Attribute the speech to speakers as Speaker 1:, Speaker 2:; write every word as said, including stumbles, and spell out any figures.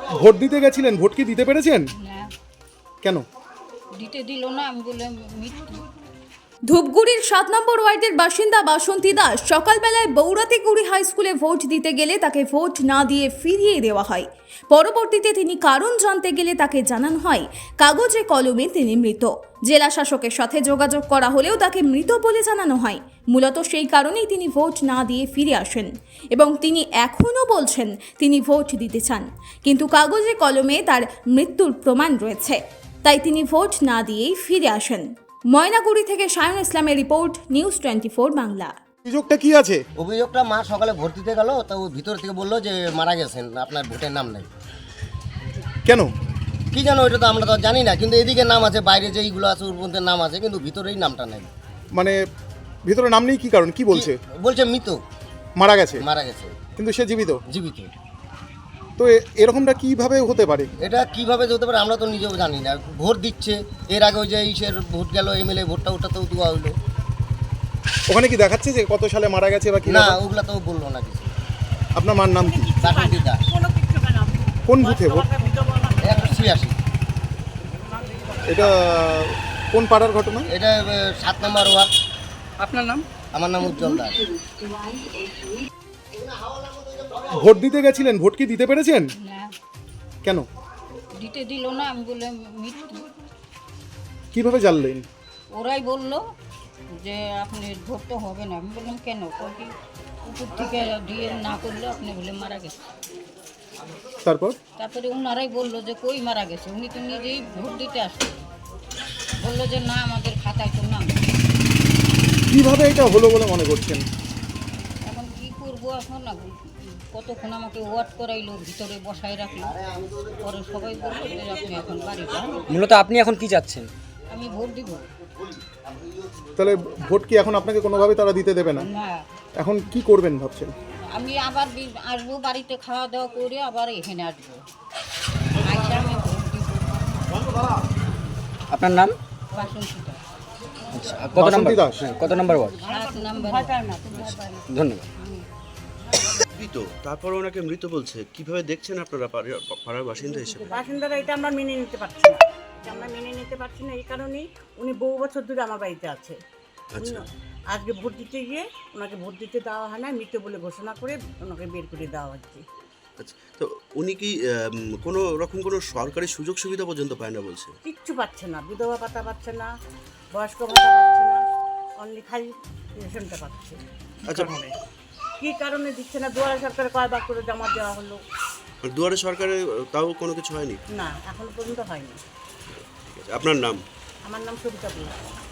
Speaker 1: Vote দিতে গেছিলেন, vote কি দিতে পেরেছেন?
Speaker 2: না,
Speaker 1: কেন?
Speaker 2: দিতে দিল না। আমি বললাম মৃত্যু।
Speaker 3: ধূপগুড়ির সাত নম্বর ওয়ার্ডের বাসিন্দা বাসন্তী দাস সকালবেলায় বৌরাতিগুড়ি হাই স্কুলে ভোট দিতে গেলে তাকে ভোট না দিয়ে ফিরিয়ে দেওয়া হয়। পরবর্তীতে তিনি কারণ জানতে গেলে তাকে জানানো হয় কাগজে কলমে তিনি মৃত। জেলা শাসকের সাথে যোগাযোগ করা হলেও তাকে মৃত বলে জানানো হয়। মূলত সেই কারণেই তিনি ভোট না দিয়ে ফিরে আসেন এবং তিনি এখনও বলছেন তিনি ভোট দিতে চান, কিন্তু কাগজে কলমে তার মৃত্যুর প্রমাণ রয়েছে, তাই তিনি ভোট না দিয়েই ফিরে আসেন। ময়নাগুড়ি থেকে শায়ন ইসলামের report, news twenty four Bangla.
Speaker 1: অভিযোগটা কি আছে?
Speaker 4: অভিযোগটা মা সকালে ভোট দিতে গেল, তো ভিতর থেকে বললো যে মারা গেছেন, আপনার ভোটের নাম নেই।
Speaker 1: কেন?
Speaker 4: কি জানো, ওইটা তো আমরা তো জানি না, কিন্তু এদিকে নাম আছে, বাইরে যে এইগুলো আছে ওর মধ্যে নাম আছে, কিন্তু ভিতরেই নামটা নেই।
Speaker 1: মানে ভিতরে নাম নেই কি কারণ? কি বলছে?
Speaker 4: কি- বলছে মৃত,
Speaker 1: মারা গেছে,
Speaker 4: মারা গেছে,
Speaker 1: কিন্তু সে জীবিত।
Speaker 4: জীবিত।
Speaker 1: তো এ- এরকমটা কিভাবে হতে পারে?
Speaker 4: এটা কিভাবে হতে পারে আমরা তো নিজেও জানি না। ভোট দিচ্ছে, এর আগে ওই যে ইসের ভোট গেল, এমএলএ ভোটটা, ওটা তো দেওয়া হইলো।
Speaker 1: ওখানে কি দেখাচ্ছে যে কত সালে মারা গেছে বা কি?
Speaker 4: না,
Speaker 1: ব্যাপার?
Speaker 4: ওগুলা তো বললো না কিছু।
Speaker 1: আপনার মার নাম কি?
Speaker 4: বাসন্তী দাস,
Speaker 1: কোন বুথে ভোট?
Speaker 4: একশো ছিয়াশি।
Speaker 1: এটা কোন পাড়ার ঘটনা?
Speaker 4: এটা আহ, সাত নম্বর ওয়ার্ড।
Speaker 5: আপনার নাম?
Speaker 4: আমার নাম উজ্জ্বল দাস।
Speaker 1: ভোট দিতে গেছিলেন, ভোট কি দিতে পেরেছেন?
Speaker 2: না,
Speaker 1: কেন?
Speaker 2: দিতে দিল না। আমি বললাম মৃত্যু।
Speaker 1: কিভাবে জানলেন?
Speaker 2: ওরাই বললো যে আপনি ভোট তো হবে না। আমি বললাম কেন? কই কি উপর থেকে দিয়ে না করলে আপনি বলে মারা গেছে।
Speaker 1: তারপর
Speaker 2: তারপরে ওনারাই বললো যে কই মারা গেছে, উনি তো নিজেই ভোট দিতে আসছেন। বললো যে না, আমাদের খাতায় তো নাম নেই।
Speaker 1: কিভাবে এটা হলো বলে মনে করছেন?
Speaker 2: এখন কি করবো? এখন না, কতক্ষণ আমাকে ওয়াট করাইলো, ভিতরে বসায় রাখলো। পরে সবাই বললো যে আপনি এখন বাড়ি যান।
Speaker 5: মূলত আপনি এখন কি চাচ্ছেন?
Speaker 2: আমি ভোট দিব
Speaker 1: তাহলে ভোট কি এখন আপনাকে কোনোভাবে তারা দিতে দেবে না?
Speaker 2: না।
Speaker 1: এখন কি করবেন ভাবছেন?
Speaker 2: আমি আবার বি- আসবো, বাড়িতে খাওয়া দাওয়া করে আবার এখানে আসবো। আইসা আমি ভোট দিব।
Speaker 5: আপনার নাম?
Speaker 2: বাসন্তীটা
Speaker 5: আচ্ছা, কত
Speaker 1: বাসন্তী
Speaker 5: নম্বর
Speaker 1: দাস।
Speaker 5: হ্যাঁ, কত নম্বর ওয়ার্ড?
Speaker 2: সাত নাম্বার।
Speaker 5: ধন্যবাদ।
Speaker 6: মৃত, তারপর ওনাকে মৃত বলছে, কিভাবে দেখছেন আপনারা পাড়ার পাড়ার বাসিন্দা হিসেবে?
Speaker 7: বাসিন্দারা এটা আমরা মেনে নিতে পারছি না। এটা আমরা মেনে নিতে পারছি না এই কারণেই উনি বহু বছর ধরে আমার বাড়িতে আছে। উনি
Speaker 6: আচ্ছা।
Speaker 7: আজকে ভোট দিতে গিয়ে ওনাকে ভোট দিতে দেওয়া হয় না, মৃত বলে ঘোষণা করে ওনাকে বের করে দেওয়া হচ্ছে।
Speaker 6: আচ্ছা, তো উনি কি আম, কোনো রকম কোনো সরকারি সুযোগ সুবিধা পর্যন্ত পায় না বলছে?
Speaker 7: কিচ্ছু পাচ্ছে না, বিধবা ভাতা পাচ্ছে না, বয়স্ক ভাতা পাচ্ছে না, অনলি খালি রেশনটা পাচ্ছে।
Speaker 6: আচ্ছা,
Speaker 7: কী কারণে দিচ্ছে না? দুয়ারে সরকারে কয়বার করে জমা দেওয়া হলো,
Speaker 6: আর দুয়ারে সরকারে তাও কোনো কিছু হয়নি?
Speaker 7: না এখনো পর্যন্ত হয়নি।
Speaker 6: ঠিক আছে, আপনার নাম?
Speaker 7: আমার নাম সবিতা বলছি।